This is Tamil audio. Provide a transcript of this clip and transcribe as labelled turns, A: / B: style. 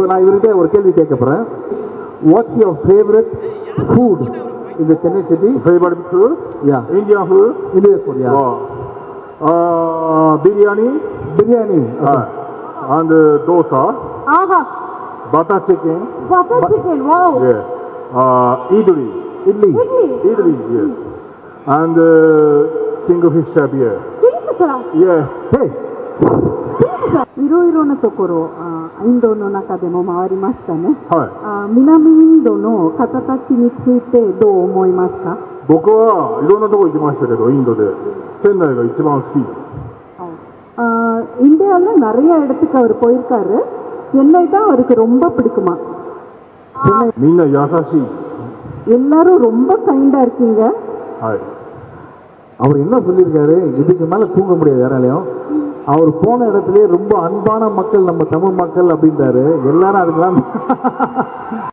A: நான் இவர்கிட்ட ஒரு கேள்வி கேட்க போகிறேன். What's your favourite food in the Chennai city?
B: Favorite food?
A: Yeah.
B: Indian food?
A: Indian food, yeah.
B: Biryani?
A: Biryani. Okay.
B: And dosa.
C: Aha.
B: Butter chicken.
C: Butter chicken. Wow.
B: Yeah. Idli.
A: Idli.
B: Idli, yes. And kingfisher beer.
C: Kingfisher?
B: Yeah.
A: Hey.
C: いろいろなところ、インドの中でも回りましたね。
B: はい。
C: 南インドの方たちについてどう思いますか？
B: 僕はいろんなとこ行きましたけど、インドでチェンナイが一番好きです。
C: இந்தியாவில் நிறைய இடத்துக்கு அவர் போயிருக்காரு. சென்னை தான் அவருக்கு ரொம்ப பிடிக்குமா?
B: みんな優しい。
C: எல்லாரும் ரொம்ப கைண்டா இருக்கீங்க.
B: はい。
A: அவர் என்ன சொல்லியிருக்காரு, இதுக்கு மேலே தூங்க முடியாது யாராலையும். அவர் போன இடத்துலயே ரொம்ப அன்பான மக்கள் நம்ம தமிழ் மக்கள் அப்படின்றாரு. எல்லாரும் அதுக்கெல்லாம்